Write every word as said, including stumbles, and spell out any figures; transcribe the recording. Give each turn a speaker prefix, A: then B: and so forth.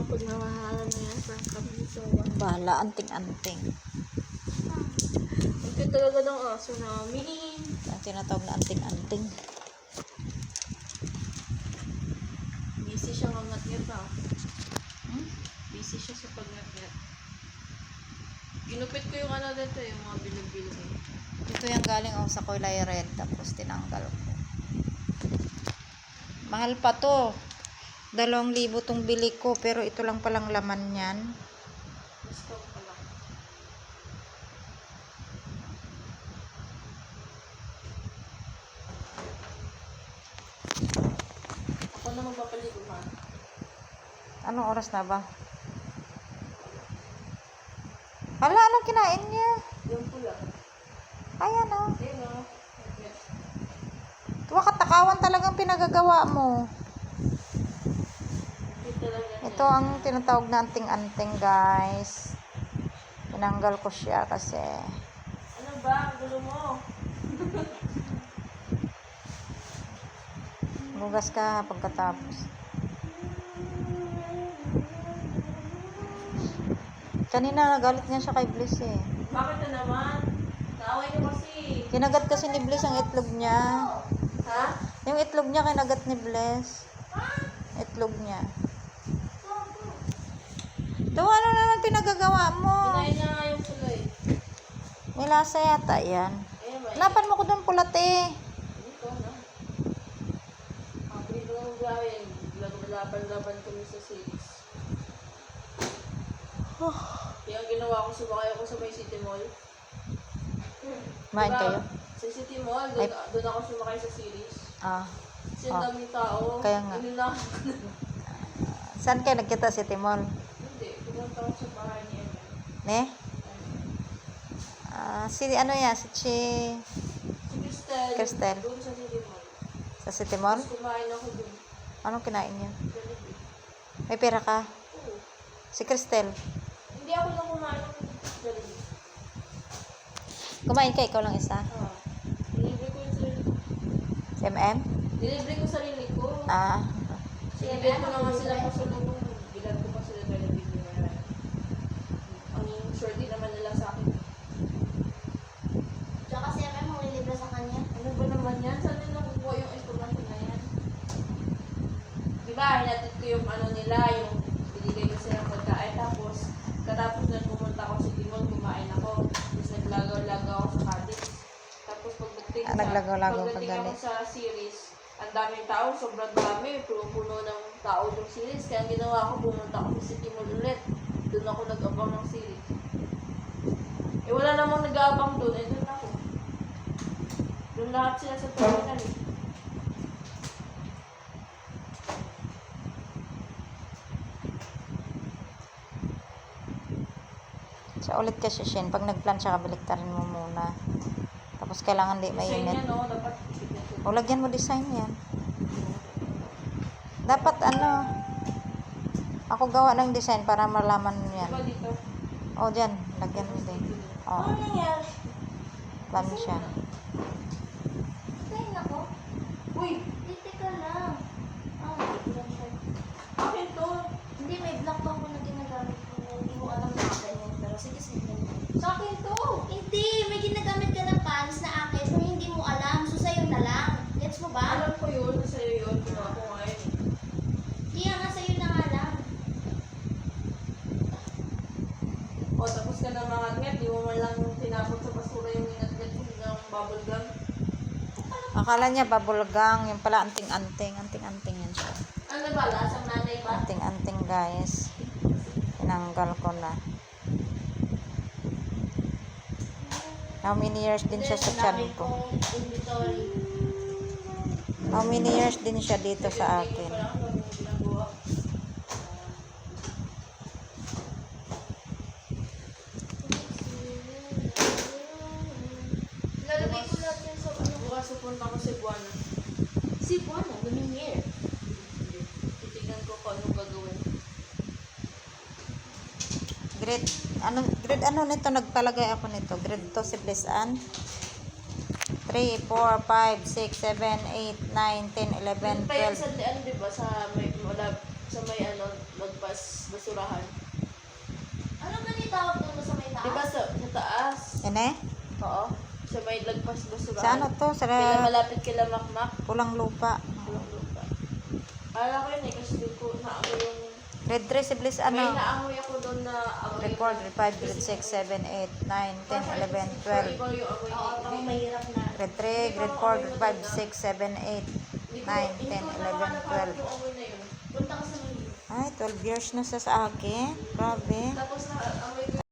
A: pagmamahalan na yan, prank kami ni Sowa.
B: Bahala, anting-anting.
A: Ang cute talaga ng aso namin.
B: Ang tinatawag na anting-anting.
A: Busy siya ngat-ngat ah.
B: Hmm?
A: Busy siya sa pag-ngat-ngat. Ginupit ko yung ano dito, yung mga bilog-bilog eh.
B: Ito yung galing ako sa kulay red, tapos tinanggal ko. Mahal pa to. Dalawang libo tong bili ko, pero ito lang palang laman yan.
A: Gusto ko lang. Ako na magpapaligo man.
B: Anong oras na ba? Hala, anong kinain niya?
A: Yung pula.
B: Ayan o.
A: Ayun o.
B: Tuwa katakawan talagang pinagagawa mo. Ito ang tinatawag na anting-anting, guys. Tinanggal ko siya kasi.
A: Ano ba? Ang gulo mo.
B: Lugas ka pagkatapos. Kanina nagalit niya siya kay Bliss eh.
A: Bakit na naman? Naaway ko kasi.
B: Kinagat kasi ni Bliss ang itlog niya.
A: Ha?
B: Yung itlog niya kinagat ni Bliss. Itlog niya. Ito, ano naman pinagagawa mo?
A: Kinain niya nga yung pula eh.
B: May lasa yata yan.
A: Ayun ba?
B: Hanapan mo ko doon pulat eh.
A: Dito na. Ang dito ng gawin. Laban-laban kami sa series. Kaya ang ginawa ko, sumakay ako sa may City Mall.
B: Kumain kayo?
A: Sa City Mall, doon, doon ako sumakay sa series.
B: Ah.
A: Kasi ang
B: Ah.
A: daming tao.
B: Kaya nga.
A: Inunahan ko na.
B: Saan kayo nagkita si Timon?
A: Hindi, pumunta ako sa bahay niya.
B: Ne? Ah, si ano yan? Si Chi...
A: Si Cristel.
B: Cristel.
A: Doon sa City Mall.
B: Sa City Mall?
A: Tapos kumain ako doon.
B: Anong kinain niya?
A: Jollibee.
B: May pera ka?
A: Oo.
B: Si Cristel.
A: Hindi ako lang kumain ng Jollibee.
B: Kumain ka, ikaw lang isa.
A: Ah. Dilibre ko yung sarili ko.
B: Si M M?
A: Dilibre ko sarili ko.
B: Ah.
A: Sinibigyan ko na nga sila pa sa lubong. Bilan ko pa sila Jollibee nila. Ang shorty naman nila sa akin.
C: Tsaka si M M mo libre sa kanya.
A: Ano ba naman yan? Saan nila nakukuha yung information na yan? Diba, hinatid ko yung ano nila, yung binigay ko silang pagkain. Tapos, katapos na pumunta ako sa Timon, kumain ako. Tapos naglagaw-lagaw ako sa Cadiz. Tapos pagdating
B: Ah,
A: sa,
B: naglagaw-lagaw ka
A: pagdating ako
B: galit.
A: sa series, ang daming tao, sobrang dami, puno-puno ng tao yung series. Kaya ang ginawa ko, pumunta ako sa City Mall ulit. Doon ako nag-abang ng series. Eh wala namang nag-aabang doon, eh doon ako. Doon lahat sila sa terminal eh.
B: Siya ulit kasi Shin. Pag nagplan siya, kabaliktarin mo muna. Tapos kailangan di
A: Design
B: mainit.
A: yan, no? Dapat
B: O, lagyan mo design yan. Dapat ano, ako gawa ng design para malaman mo yan.
A: diba dito?
B: O, dyan. Lagyan mo din. O,
C: Ano nangyari?
B: plan siya.
C: Kain ako?
A: Uy!
C: Hindi, teka lang. Ah, hindi lang siya.
A: Akin to!
C: Hindi, may black pa ako na ginagamit ko. Hindi mo alam na akin yun. Pero sige, sige.
A: Sa akin to!
C: Hindi, may ginagamit ka ng pants na akin pero hindi mo alam. So, sa'yo na lang. Gets mo ba?
A: Alam ko yun, sa'yo yun, ginawa ko ngayon.
C: Kaya nga sa'yo na nga lang.
A: O, tapos ka na mga ngat, di mo man lang tinapot sa basura yung inat-ngat ng bubble gum.
B: Akala niya babulgang. Yung pala anting-anting. Anting-anting yan siya.
C: Ano ba? Lasang nanay ba?
B: Anting-anting, guys. Tinanggal ko na. How many years din siya sa tiyan ko?
C: Inventory.
B: How many years din siya dito sa akin?
A: Parang ano yung ginagawa.
C: Lalagay ko lahat yan sa ano.
A: Bukas pupunta ko sa Buwana.
C: Si Buwana, Lumiere.
A: Titignan ko kung anong gagawin.
B: Grade, ano, grade ano nito? Nagpalagay ako nito. Grade two si Bliss Ann. three, four, five, six, seven, eight, nine, ten, eleven,
A: Yun pa yun
B: twelve.
A: sa, ano, diba, sa may, wala, sa may ano, lagpas basurahan.
C: Ano ba ni tawag doon sa may taas?
A: Di ba sa, sa taas?
B: Yan eh.
A: Oo. Sa may lagpas basurahan.
B: Sa ano to? Sa
A: Kila malapit kila Makmak.
B: pulang lupa.
A: Walang lupa. Kala ko yun eh, kasi doon ko naamoy yung...
B: Grade three si Bliss
A: May
B: ano?
A: naamoy ako doon na amoy.
B: Record, grade five, grade six, seven, eight, nine, ten, eleven, twelve.
A: Iba yung amoy
C: Oo,
A: niya.
C: parang mahirap na.
B: Grade three, grade four, grade five, six, seven, eight,
A: Hindi ko-
B: nine,
A: hindi
B: ten,
A: ko
B: eleven,
A: naman
B: twelve.
A: yung amoy na yun.
C: Punta ka sa Manila.
B: Ay, twelve years na siya sa akin. Grabe.
A: Tapos na amoy ko